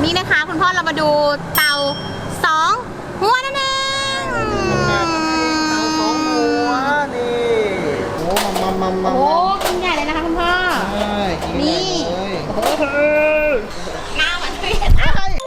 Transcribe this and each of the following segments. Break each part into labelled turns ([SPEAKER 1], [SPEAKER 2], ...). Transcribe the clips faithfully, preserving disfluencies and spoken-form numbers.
[SPEAKER 1] นี่นะคะคุณพ่อเรามาดูเต่าสองหัวนั่นเอง
[SPEAKER 2] เต่าสองหัวนี่โอ้มัมมัมมัม
[SPEAKER 1] โอ้กินใหญ่เลยนะคะคุณพ่อ
[SPEAKER 2] ใช่กินใหญ่เลย
[SPEAKER 1] โอ้โหหน้าเหมือนเวียน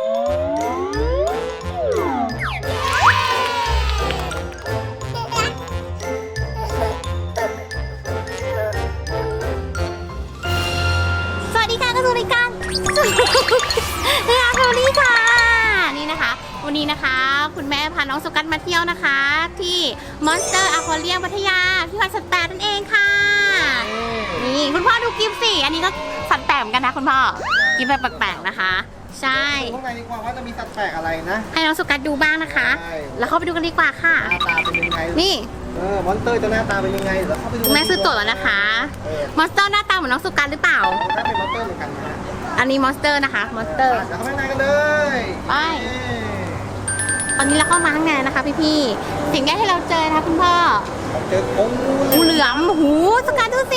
[SPEAKER 1] สวัสดีค่ะก็คือรายการเฮียโทนี่ค่ะนี่นะคะวันนี้นะคะคุณแม่พาน้องสุกัสมาเที่ยวนะคะ ที่ Monster Aquarium พัทยาที่วัดสัตว์แปลกนั่นเองค่ะนี่คุณพ่อดูกิฟต์สิอันนี้ก็สัตว์แปลกเหมือนกันนะคุณพ่อกิฟต์แบบแปลกๆนะคะใช่
[SPEAKER 2] ข้างในดีกว่าว่าจะมีสัตว์แปลกอะไรนะ
[SPEAKER 1] ให้น้องสุกัสดูบ้างนะคะ
[SPEAKER 2] ใช่
[SPEAKER 1] แล้วเข้าไปดูกันดีกว่าค่ะ
[SPEAKER 2] หน้าตาเป็นยังไง
[SPEAKER 1] นี่
[SPEAKER 2] เออมอนสเตอร์จะหน้าตาเป็นยังไงเดี๋ยวเข้าไปดู
[SPEAKER 1] คุณแม่ซื้อตั๋วแล้วนะคะ
[SPEAKER 2] เออ
[SPEAKER 1] มอนสเตอร์หน้าตาเหมือนน้องสุกัสหรือเปล่า
[SPEAKER 2] ถ้าเป็นมอนสเตอร์เหมือนกันนะ
[SPEAKER 1] อันนี้มอนสเตอร์นะคะมอนสเตอร์
[SPEAKER 2] เดี๋ยวเข้าไปในกันเลย
[SPEAKER 1] ไป ตอนนี้เราเข้ามาข้างในนะคะพี่ๆสิ่งแรกที่เราเจอนะคะคุณพ่อ
[SPEAKER 2] ผมเจอโอ้งู
[SPEAKER 1] งูเหลือมหูสุกัสดูสิ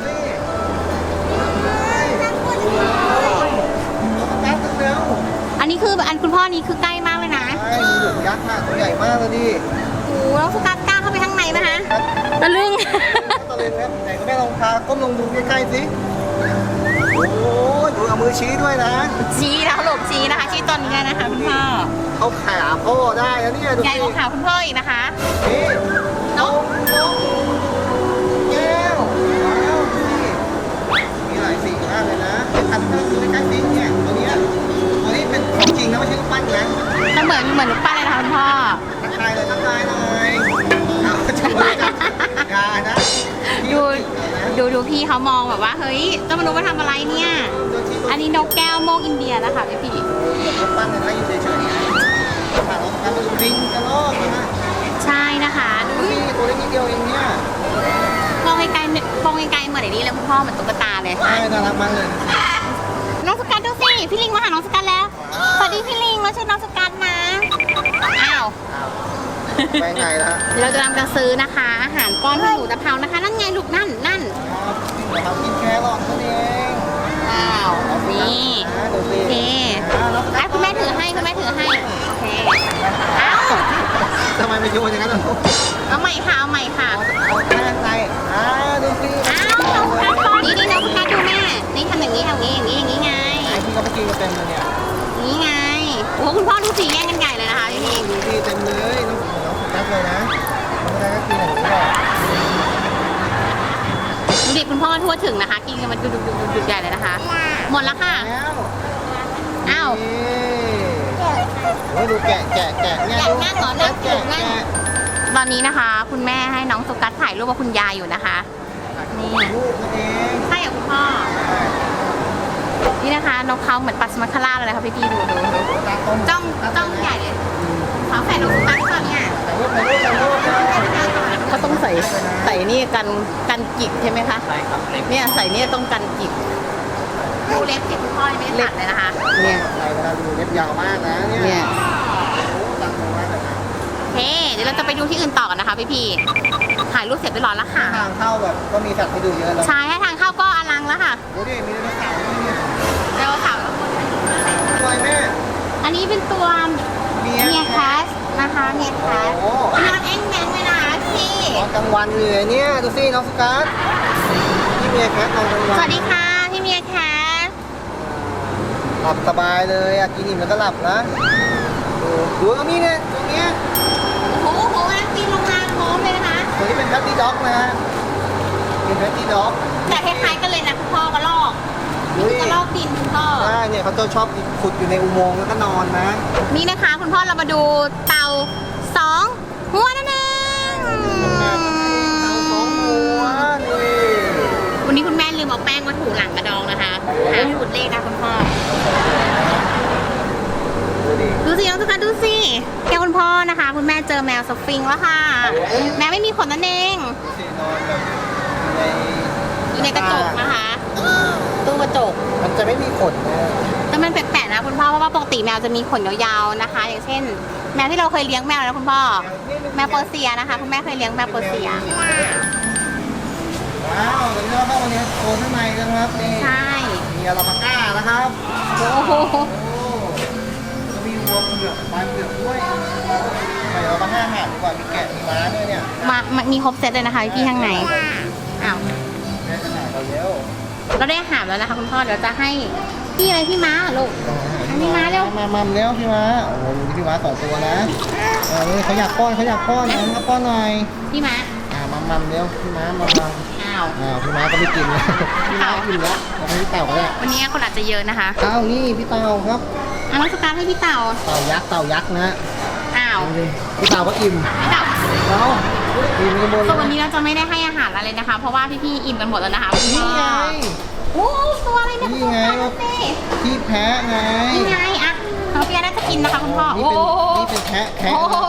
[SPEAKER 2] ยักษ์เร็ว
[SPEAKER 1] อันนี้คืออันคุณพ่อนี้คือใกล้มากเลยนะ
[SPEAKER 2] ใช่งูเหลือมยักษ์มากตัวใหญ่มากเลยดิ
[SPEAKER 1] โอ้แล้วสุกัสกล้าเข้าไปข้างในไหมคะตะลึง
[SPEAKER 2] ตะลึงครับไหนก็แม่ลองพาก้มลงดูใกล้ๆสิโอ้ยดูเอามือชี้ด้วยนะ
[SPEAKER 1] ชี้นะคะหลบชี้นะคะชี้ตอนนี้เลยนะคะคุณพ่อ
[SPEAKER 2] เอาขาพ่อได้นะเนี่ยดู
[SPEAKER 1] ใหญ่
[SPEAKER 2] สิ
[SPEAKER 1] กว่าขาคุณพ่ออีกนะคะ
[SPEAKER 2] นี่
[SPEAKER 1] นก
[SPEAKER 2] นกแก้วว้าวดูสิมีหลายสีมากเลยนะอันนี้คือใกล้ๆสิเนี่ยตัวเนี้ยตัวนี้เป็นของจริงนะไม่ใช่รูปปั้นนะ
[SPEAKER 1] ก็เหมือนเหมือนลูกปั้นเลยนะคะคุณพ่อ
[SPEAKER 2] ทักทายเลยทักทายหน่อยเอาจะมือกันกานะ
[SPEAKER 1] ดูดูดูพี่เขามองแบบว่าเฮ้ยเจ้ามนุษย์มาทำอะไรเนี่ย อันนี้นกแก้วโมกอินเดียนะคะพี่พี่
[SPEAKER 2] รูปปั้นเนี่ยนะอยู่เฉยๆนะผ่านเราทำมาดูลิงกระรอกนะ
[SPEAKER 1] ใช่นะคะดู
[SPEAKER 2] ดูสิตัวเล็กนิดเดียวเองเนี่ย
[SPEAKER 1] มองไกลๆมองไกลๆเหมือนไอ้นี่เลยคุณพ่อเหมือนตุ๊กตาเลย
[SPEAKER 2] ใช่น่ารักมากเลย
[SPEAKER 1] น้องสกัดดูสิพี่ลิงมาหาน้องสกัดแล้วสวัสดีพี่ลิงมาช่วยน้องสกัดนะอ้าว
[SPEAKER 2] อ้าวไปไงล่ะ
[SPEAKER 1] เดี๋ยวเราจะทำการซื้อนะคะ อาหารป้อนให้หมูตะเภานะคะนั่นไงลูกนั่นนั่น
[SPEAKER 2] เดี๋ยวทำกินแครอทนั่นเอง
[SPEAKER 1] ว้าวนี่
[SPEAKER 2] นะดูสิ
[SPEAKER 1] โอเค
[SPEAKER 2] อ่าแล้ว
[SPEAKER 1] อ่ะคุณแม่ถือให้คุณแม่ถือให้โอเคอ้าว
[SPEAKER 2] ทำไมไม่โยนอย่างนั้นล่ะลูก
[SPEAKER 1] เอาใหม่ค่ะเอาใหม่ค่ะ
[SPEAKER 2] เอาแค่ในอ่าดูสิ
[SPEAKER 1] อ้าวน้องสกัดก่อนนี่นี่น้องสกัดดูแม่นี่ทำอย่างนี้ทำอย่างนี้อย่างนี้อย่างนี้ไง
[SPEAKER 2] ไอ้ที่เขาไปกินกันเต็มเลยเนี่ย
[SPEAKER 1] นี่ไงโอ้โหคุณพ่อดูสีแย่งกันใหญ่เลยนะคะพี่
[SPEAKER 2] ดูสิเต็มเลยน้องน้องสุนัขเลยนะน้องสุนัขก็กินอย่างนี้แหละ
[SPEAKER 1] ดูดิคุณพ่อทั่วถึงนะคะ กินกันมันดุดุดุดุดุใหญ่เลยนะคะ หมดแล้วค่ะ
[SPEAKER 2] แล้ว
[SPEAKER 1] อ้าว
[SPEAKER 2] โอ้ยดูแกะแกะแกะเนี่ย
[SPEAKER 1] แกะ
[SPEAKER 2] ดู
[SPEAKER 1] นั่งเหรอนั่ง
[SPEAKER 2] แกะ
[SPEAKER 1] นั่ง
[SPEAKER 2] แกะ
[SPEAKER 1] ตอนนี้นะคะ คุณแม่ให้น้องสุกัสถ่ายรูปกับคุณยายอยู่นะคะ นี่
[SPEAKER 2] ลูกนั่นเอง
[SPEAKER 1] ใช่กับคุณพ่อ นี่นะคะนกเขาเหมือนปัสมาคาร่าเลยค่ะพี่พี่ๆดูดูดู
[SPEAKER 2] ตาต้ม
[SPEAKER 1] จ้องจ้องใหญ่เลยฝาแฝดน้องสุกัสก่อนเนี่ย
[SPEAKER 2] ถ่ายรูปถ่ายรูปถ่ายรูปนะ
[SPEAKER 1] เขาต้องใส่ใส่นี่กันกันจิกใช่ไหมคะ
[SPEAKER 2] ใช่ครับเล็ก
[SPEAKER 1] เนี่ยใส่เนี่ยต้องกันจิกดูเล็บสิคุณพ่อยังไม่ได้ตัดเลยนะคะ เนี่ย
[SPEAKER 2] ใช่เวลาดูเล็บยาวมากนะเนี่ย
[SPEAKER 1] เนี่ย
[SPEAKER 2] โอ้ตังค์มากเลยนะ
[SPEAKER 1] เฮ้เดี๋ยวเราจะไปดูที่อื่นต่อกันนะคะพี่พี่ๆถ่ายรูปเสร็จเรียบร้อยแล้วค่ะ
[SPEAKER 2] ทางเข้าแบบก็มีสัตว์ให้ดูเยอะแล้ว
[SPEAKER 1] ใช่ให้ทางเข้าก็อลังแล้วค่ะ
[SPEAKER 2] ดูดิมีไดโนเสาร์ด้วยเนี่ย
[SPEAKER 1] เดี๋ยวค่ะ
[SPEAKER 2] สวยแม่
[SPEAKER 1] อันนี้เป็นตัว
[SPEAKER 2] เมีย
[SPEAKER 1] เมียแคสนะคะเมียแคส
[SPEAKER 2] โอ้
[SPEAKER 1] นอนแอ้งแมงเลยนะพี่
[SPEAKER 2] ตอนกลางวันเลยเนี่ยดูสิน้องสกัดนี่เมียแคทตอนกลาง
[SPEAKER 1] ส
[SPEAKER 2] วัน
[SPEAKER 1] วัสดีค่ะพี่เมียแคส
[SPEAKER 2] หลับสบายเลยอ่ะกินอิ่มแล้วก็หลับนะดูดูตรงนี้เนี่ยตรงเนี้ย
[SPEAKER 1] โอ้โหโหกำลังปีนลงมาพร้อมเลยนะคะ
[SPEAKER 2] ตัวนี้เป็นแพตตี้ด็อกนะฮะเป็นแพตตี้ด็อก
[SPEAKER 1] แต่คล้ายๆกันเลยนะคุณพ่อกระลอก
[SPEAKER 2] ดู
[SPEAKER 1] นี่
[SPEAKER 2] ดิ
[SPEAKER 1] คือกระลอกดินคุณพ่อ
[SPEAKER 2] ใช่เนี่ยเขาจะชอบขุดอยู่ในอุโมงค์แล้วก็นอนนะ
[SPEAKER 1] นี่นะคะคุณพ่อเรามาดูเต่าสองหัวนั่นเอง
[SPEAKER 2] เต่าสองหัวนี่
[SPEAKER 1] วันนี้คุณแม่ลืมเอาแป้งมาถูหลังกระดองนะคะหาสูตรเลขนะคุณพ่อ
[SPEAKER 2] ดูดิ
[SPEAKER 1] ดูสิน้องทุกคนดูสิแกคุณพ่อนะคะ คุณแม่เจอแมวสฟิงค์แล้วค่ะ แมวไม่มีขนนั่นเอง
[SPEAKER 2] ดูสินอนแบบใน
[SPEAKER 1] อยู่ในกระจกนะคะตู้กระจก
[SPEAKER 2] มันจะไม่มีขนนะ
[SPEAKER 1] แต่มันแปลกๆนะคุณพ่อเพราะว่าปกติแมวจะมีขนยาวๆนะคะ อย่างเช่น แมวที่เราเคยเลี้ยงแมวแล้วคุณพ่อแมวเปอร์เซียนะคะคุณแม่เคยเลี้ยงแมวเปอร์เซีย
[SPEAKER 2] ว้าวเดี๋ยวเราเข้ามาในโซนข้างในกันครับนี่
[SPEAKER 1] ใช่
[SPEAKER 2] มีอาราปาก้านะครับ
[SPEAKER 1] โอ้โห
[SPEAKER 2] โอ้านเผือกด้วยไปเอามาห้าอาหารดีกว่ามีแกะมีม้าด้วยเนี่ย
[SPEAKER 1] มามามีครบเซตเลยนะคะพี่ๆข้างในอ้าว
[SPEAKER 2] แม่จะหาเราเร็ว
[SPEAKER 1] เราได้อาหารแล้วนะคะคุณพ่อเดี๋ยวจะให้พี่อะไรพี่ม้าลูก อันนี้ม้าเร็ว
[SPEAKER 2] มามาเร็วพี่ม้าโอ้โหดูพี่ม้าสองตัวนะเออเขาอยากป้อนเขาอยากป้อนนะป้อนหน่อย
[SPEAKER 1] พี่ม้า
[SPEAKER 2] อ่ามามัมเร็วพี่ม้ามามัม
[SPEAKER 1] อ้าว
[SPEAKER 2] อ้าวพี่ม้าก็ไม่กินแล้วพี่ม้ากินแล้วเอาไปพี่เต่าก็ได้
[SPEAKER 1] วันนี้คนอาจจะเยอะนะคะ
[SPEAKER 2] เต่านี่พี่เต่าครับ
[SPEAKER 1] เอาน้องสการให้พี่เต่า
[SPEAKER 2] เต่ายักษ์เต่ายักษ์นะ
[SPEAKER 1] อ้าว
[SPEAKER 2] ดูดิพี่เต่าก็อิ่ม
[SPEAKER 1] พี่เต่า
[SPEAKER 2] เอาอิ่มกันหมดเล
[SPEAKER 1] ส่วนวัน
[SPEAKER 2] ย
[SPEAKER 1] นี้เราจะไม่ได้ให้อาหารอะไรนะคะ เพราะว่าพี่ๆอิ่มกันหมดแล้วนะคะคุณ
[SPEAKER 2] นี่
[SPEAKER 1] พ่อ
[SPEAKER 2] ไง
[SPEAKER 1] โอ้ตัวอะไรเนี่ย
[SPEAKER 2] นี่ไง
[SPEAKER 1] คุณพ่อดูสิ
[SPEAKER 2] ที่แพะไง
[SPEAKER 1] นี่ไงอะน้องเปียน่าจะกินนะคะคุณพ่อ
[SPEAKER 2] นี่
[SPEAKER 1] โอ้
[SPEAKER 2] เป็นนี่เป็นแพะแคะ
[SPEAKER 1] โอ้โห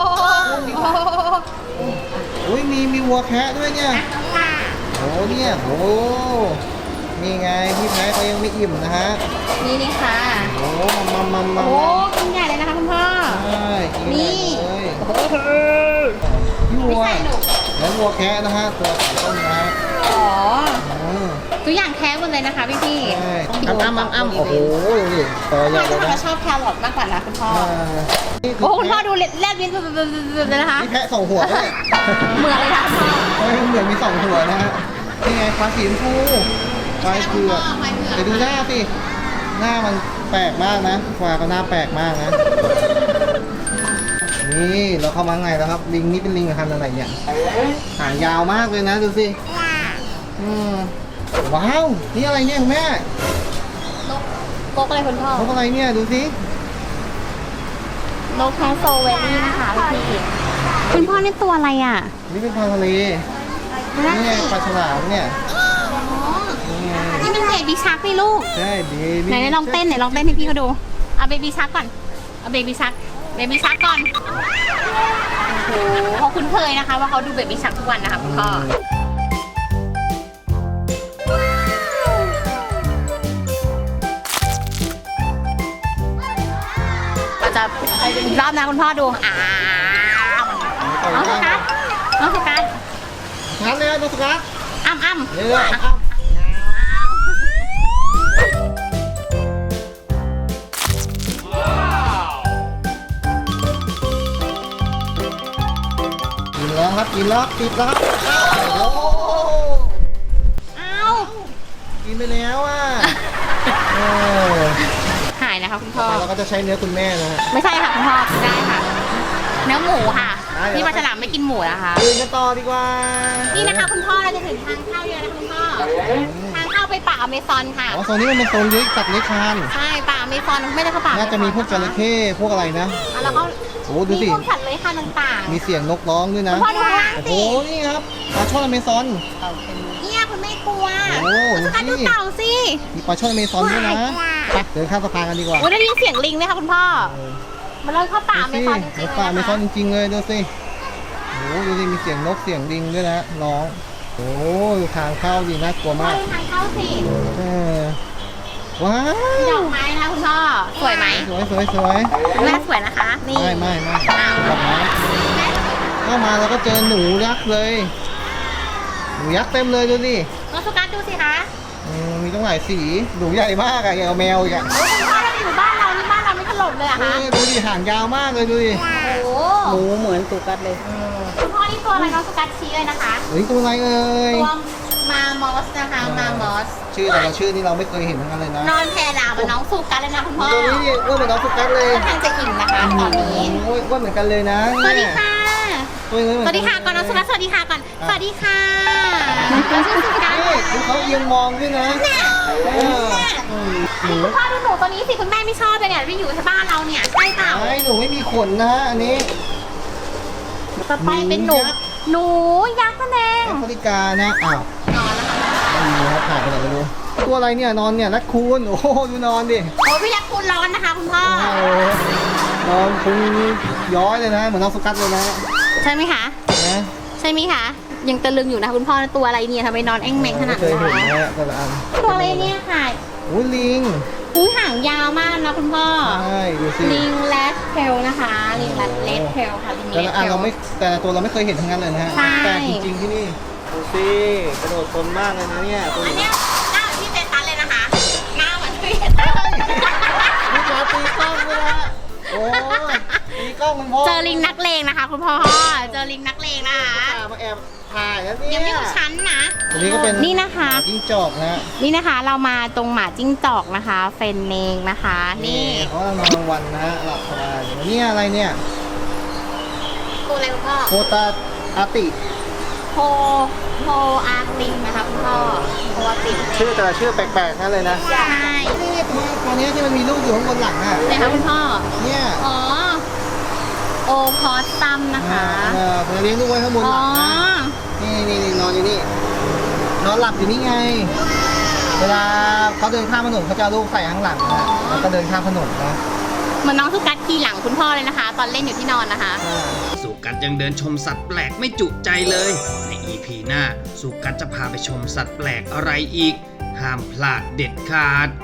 [SPEAKER 2] อุ้ยมีมีวัวแคะด้วยเนี่ย
[SPEAKER 1] ค่ะ
[SPEAKER 2] โอ้เนี่ยโอ้นี่ไงพี่แพ้เขายังไม่อิ่มนะฮะ
[SPEAKER 1] นี่นี่ค่ะ
[SPEAKER 2] โอ้มามามา
[SPEAKER 1] โอ้
[SPEAKER 2] มา
[SPEAKER 1] กินใหญ่เลยนะคะคุณพ่อ
[SPEAKER 2] ใช่กิน
[SPEAKER 1] นี่
[SPEAKER 2] ได้เลย
[SPEAKER 1] โอ้โห
[SPEAKER 2] พี่
[SPEAKER 1] ไม่
[SPEAKER 2] วัว
[SPEAKER 1] ใช่หนู
[SPEAKER 2] แล้ววัวแคะนะฮะตัวสีต้นนะฮะ
[SPEAKER 1] อ๋อ
[SPEAKER 2] อืม
[SPEAKER 1] ตัวอย่างแท้หมดเลยนะคะพี่พี่
[SPEAKER 2] ใช่อ้ำอ้ำอ้ำอ้ำโอ้โหดูดิตัวใหญ่
[SPEAKER 1] พ่อ
[SPEAKER 2] เลย
[SPEAKER 1] จะ
[SPEAKER 2] นะ
[SPEAKER 1] ชอบแครอทมากกว่านะคุณพ่อ
[SPEAKER 2] อ่านี่คื
[SPEAKER 1] โอ้คุณพ่อ
[SPEAKER 2] แพะ
[SPEAKER 1] ดูเล็ดแลบลิ้นเลยนะคะ
[SPEAKER 2] นี่แพะสองหัวด้วย
[SPEAKER 1] เหมือนเลยค่ะคุณพ่อ
[SPEAKER 2] เฮ้ยเหมือนมีสองหัวนะฮะนี่ไงฟ้าสีชมพูฟ้าเผือก
[SPEAKER 1] ไฟเผือก
[SPEAKER 2] ไปดูหน้าสิ หน้ามันแปลกมากนะฟ้าก็หน้าแปลกมากนะ นี่เราเข้ามาไงแล้วครับ ลิงนี่เป็นลิงพันธุ์อะไรเนี่ย หางยาวมากเลยนะดูสิอืมว้าว นี่อะไรเนี่ยคุณแม่
[SPEAKER 1] นกกกอะไรคุณพ่อน
[SPEAKER 2] กอะไรเนี่ยดูสิ
[SPEAKER 1] นกแคสโซเวลี่นะคะพี่พี่คุณพ่อนี่ตัวอะไรอ่ะ
[SPEAKER 2] นี่เป็นปลาทะเล
[SPEAKER 1] นั่น
[SPEAKER 2] นี่ไง
[SPEAKER 1] สิ
[SPEAKER 2] ปลาฉลามเนี่ย
[SPEAKER 1] อ๋อ
[SPEAKER 2] นี่ไง
[SPEAKER 1] นี่เป็นเบบี้ชักนี่ลูก
[SPEAKER 2] ใช่เบบี้
[SPEAKER 1] ไหนๆลองเต้นไหนลองเต้นให้พี่เขาดู เอาเบบี้ชักก่อน เอาเบบี้ชัก เบบี้ชักก่อน โอ้โหเขาคุ้นเคยนะคะว่าเขาดูเบบี้ชักทุกวันนะคะคุณพ่อ เราจะอีกรอบนะคุณพ่อดูอ้าวน้องสกัดน้องสกัด
[SPEAKER 2] ชัดเลยนะตัวสกัด
[SPEAKER 1] อ้ำอ้ำ
[SPEAKER 2] เรื่อยๆอ้ำกินแล้วครับกินแล้วติดแล้วครับโอ้โห
[SPEAKER 1] อ้าว
[SPEAKER 2] กินไปแล้วอ่ะเออ
[SPEAKER 1] หายนะคะคุณ
[SPEAKER 2] ต่
[SPEAKER 1] พ่
[SPEAKER 2] อ
[SPEAKER 1] อ
[SPEAKER 2] ไปเราก็จะใช้เนื้อคุณแม่นะฮะ
[SPEAKER 1] ไม่ใช่ค่ะคุณพ่อกินได้ค่ะ เนื้อหมูค่ะ
[SPEAKER 2] ได้เดี๋ยว
[SPEAKER 1] นี่ปลาฉลามไม่กินหมูนะคะ
[SPEAKER 2] กินกันต่อดีกว่า
[SPEAKER 1] นี่นะคะคุณพ่อเราจะถึงทางเข้าเยอะนะคะคุณพ่อ ทางเข้าไปป่าอเมซอนค่ะ
[SPEAKER 2] อ๋อโซนนี้มันเป็นโซนเลี้ยงสัตว์เลี้ยงคลาน
[SPEAKER 1] ใช่ป่าอเมซอนไม่ได้เข้าป่า
[SPEAKER 2] น่าจะมีพวกจระเข้พวกอะไรนะ
[SPEAKER 1] อ่ะแล้วก็
[SPEAKER 2] โอ้ดู
[SPEAKER 1] มี
[SPEAKER 2] สิ
[SPEAKER 1] พวกสัตว์เลื้อยคลานต่าง
[SPEAKER 2] มีเสียงนกร้องด้วย
[SPEAKER 1] ๆ
[SPEAKER 2] นะ
[SPEAKER 1] คุณพ่อดูข้างล่าง
[SPEAKER 2] โอ้โห
[SPEAKER 1] สิ
[SPEAKER 2] นี่ครับปลาช่อนอเมซอน
[SPEAKER 1] เนี่ยคุณไม่กลัว
[SPEAKER 2] โอ้
[SPEAKER 1] สกัด
[SPEAKER 2] ดู
[SPEAKER 1] ดู
[SPEAKER 2] สิ
[SPEAKER 1] เต่าสิ
[SPEAKER 2] มีปลาช่อนอเมซอนด้วยนะไปเดินข้ามสะพานกันดีกว่า
[SPEAKER 1] โอ้ยได้ยินเสียงลิงไหมคะคุณพ่อ
[SPEAKER 2] เออ
[SPEAKER 1] มันเลยเข้าป่าอเมซอนจ
[SPEAKER 2] ดู
[SPEAKER 1] ริ
[SPEAKER 2] สิ
[SPEAKER 1] งๆ
[SPEAKER 2] ป่าอ
[SPEAKER 1] เล
[SPEAKER 2] เม
[SPEAKER 1] ย
[SPEAKER 2] ซอน
[SPEAKER 1] นะคะ
[SPEAKER 2] จริงๆเลยดูสิโอ้ดูสิมีเสียงนกเสียงลิงด้วยนะร้องโอ้ดูทางเข้าดีน่ากลัว
[SPEAKER 1] พ่อ
[SPEAKER 2] มาก
[SPEAKER 1] ดูทางเข้าสิ
[SPEAKER 2] เออว้า
[SPEAKER 1] มีด
[SPEAKER 2] ว
[SPEAKER 1] อกไม้นะคะคุณพ่อ สวยไหม
[SPEAKER 2] สวยสวยสวย
[SPEAKER 1] แม่สวยนะคะ นี่
[SPEAKER 2] ไม่ไม่ไม่
[SPEAKER 1] อ้าว
[SPEAKER 2] ดอกไม้
[SPEAKER 1] แม่
[SPEAKER 2] เข้ามาแล้วก็เจอหนูยักษ์เลย หนูยักษ์เต็มเลยดูดิ
[SPEAKER 1] น้องสกัดดูสิคะ
[SPEAKER 2] อืมมีตั้งหลายสี หนูใหญ่มากอะอย่างกับแมวอีกอะ
[SPEAKER 1] โอ้ยคุณพ่อเราอยู่บ้านเรานี่บ้านเราไม่ถล่มเลยเหรอะ
[SPEAKER 2] เอ
[SPEAKER 1] คะ
[SPEAKER 2] อดูดิหางยาวมากเลยดูดิ
[SPEAKER 1] โอ้
[SPEAKER 3] หมูเหมือนสุกัดเลย
[SPEAKER 2] เออ
[SPEAKER 1] คุณพ่อนี่ตัวอะไรน้องสกัดชี้เลยนะคะ
[SPEAKER 2] เฮ้ยตัวอะไรเอ่ย
[SPEAKER 1] ตัวมามอสนะคะ มามอส
[SPEAKER 2] ชื่อแต่ละชื่อนี่เราไม่เคยเห็นทั้งนั้นเลยนะ
[SPEAKER 1] นอนแพรดาวกับน้องสุกัดเลยนะคุณพ่อ
[SPEAKER 2] ตัวนี้เนี่ยอ้วนเหมือนน้องสุกัสเลย
[SPEAKER 1] ค่อนข้างจะอิ่มนะคะตอนนี้
[SPEAKER 2] โอ้ยอ้วนเหมือนกันเลยนะ
[SPEAKER 1] สวัสดีค่ะ
[SPEAKER 2] ตัวนี้
[SPEAKER 1] สวัสดีค่ะก่อนน้องสุกัดสวัสดีค่ะก่อน สวัสดีค่ะน้องชื่อสุกัด
[SPEAKER 2] นี่ดูเขาเอียงมองด้วยนะเอออืมหนู
[SPEAKER 1] คุณพ่อดูหนูตัวนี้สิคุณแม่ไม่ชอบเลยเนี่ยที่อยู่ที่บ้านเราเนี่ยใช่เปล่า
[SPEAKER 2] ไอ้หนูไม่มีขนนะอันนี้
[SPEAKER 1] ต่อไปเป็นหนู หนูยักษ์นั่นเอง
[SPEAKER 2] แอฟริกานะอ้าวน
[SPEAKER 1] อนแล้วค่ะ
[SPEAKER 2] ไม่มีครับถ่ายไปไหนไม่รู้ตัวอะไรเนี่ยนอนเนี่ยนักคูนโอ้โหดูนอนดิ
[SPEAKER 1] โอ้ยพี่ยักษ์คุณร้อนนะคะคุณพ่อ
[SPEAKER 2] โอ้โหนอนพุงย้อยเลยนะ เหมือนน้องสุกัสเลยนะ
[SPEAKER 1] ใช่ไหมคะ
[SPEAKER 2] นะ
[SPEAKER 1] ใช่ไหมคะ ยังตะลึงอยู่นะคุณพ่อตัวอะไรเนี่ยทำไมนอนแอ่งแมงขนาด
[SPEAKER 2] เคย
[SPEAKER 1] นี้
[SPEAKER 2] เห็น
[SPEAKER 1] น
[SPEAKER 2] นะแต่ละอัน
[SPEAKER 1] ตัวอะไรเนี่ยค่ะ
[SPEAKER 2] อุ้ยลิง
[SPEAKER 1] หูหางยาวมากนะคุณพ่อ
[SPEAKER 2] ใช่ดูสิ
[SPEAKER 1] ลิงแรดเทลนะคะ ลิงแรดเลดเทลค่ะลิง
[SPEAKER 2] แต่
[SPEAKER 1] เลด
[SPEAKER 2] ละ
[SPEAKER 1] เท
[SPEAKER 2] อัน
[SPEAKER 1] ล
[SPEAKER 2] เราไม่แต่ละตัวเราไม่เคยเห็นทั้งนั้นเลยนะฮะ
[SPEAKER 1] ใช่
[SPEAKER 2] แต่จริงๆที่นี่ดูสิกระโดดทนมากเลยนะเนี่ยตัว
[SPEAKER 1] อัน
[SPEAKER 2] นี้
[SPEAKER 1] เนี้ยหน้าเหมือนพี่เจสันเลยนะคะ หน้าเหมือนพี่เจสัน
[SPEAKER 2] นี่จะตีกล้องเลยนะโอ้ยตีคุณพ่อ
[SPEAKER 1] เจอลิงนักเลงนะคะ คุณพ่อเจอลิงนักเลงนะคะ
[SPEAKER 2] มาแอบถ่ายแล้วเนี่ย
[SPEAKER 1] ยังไม่อยู่ชั้นนะ
[SPEAKER 2] อันนี้ก็เป็น
[SPEAKER 1] นี่นะคะ
[SPEAKER 2] จิ้งจอกนะ
[SPEAKER 1] นี่นะคะเรามาตรงหมาจิ้งจอกนะคะ เฟนเนงนะคะ นี่
[SPEAKER 2] เขากำลังนอนกลางวันนะฮะหลับสบายอยู่เนี่ยอะไรเนี่ย
[SPEAKER 1] ตัวอะไรคุณพ่อ
[SPEAKER 2] โคตาอาติ
[SPEAKER 1] โฮโฮอาร์ติงนะคะคุณพ่อโฮอาร์ติง
[SPEAKER 2] ชื่อแต่ละชื่อแปลกๆนั่นเลยนะ
[SPEAKER 1] ใช่
[SPEAKER 2] นี่ตัวตัวนี้ที่มันมีลูกอยู่ข้างบนหลังอ่ะ
[SPEAKER 1] ไหนคะคุณพ่อ
[SPEAKER 2] เนี่ย
[SPEAKER 1] อ๋อโอพอสซัมนะคะ
[SPEAKER 2] เออผมเลี้ยงลูกไว้ข้างบน
[SPEAKER 1] อ๋
[SPEAKER 2] ห
[SPEAKER 1] อ
[SPEAKER 2] ลังนะนี่นี่นี่นอนอยู่นี่นอนหลับอยู่นี่ไง เวลาเขาเดินข้ามถนนเขาจะเอาลูกใส่ข้างหลังนะแล้วก็เดินข้ามถนนนะ
[SPEAKER 1] เหมือนน้องสุกัดขี่หลังคุณพ่อเลยนะคะ ตอนเล่นอยู่ที่นอนนะคะ
[SPEAKER 3] สุกัดยังเดินชมสัตว์แปลกไม่จุใจเลย ใน อี พี หน้าสุกัดจะพาไปชมสัตว์แปลกอะไรอีก ห้ามพลาดเด็ดขาด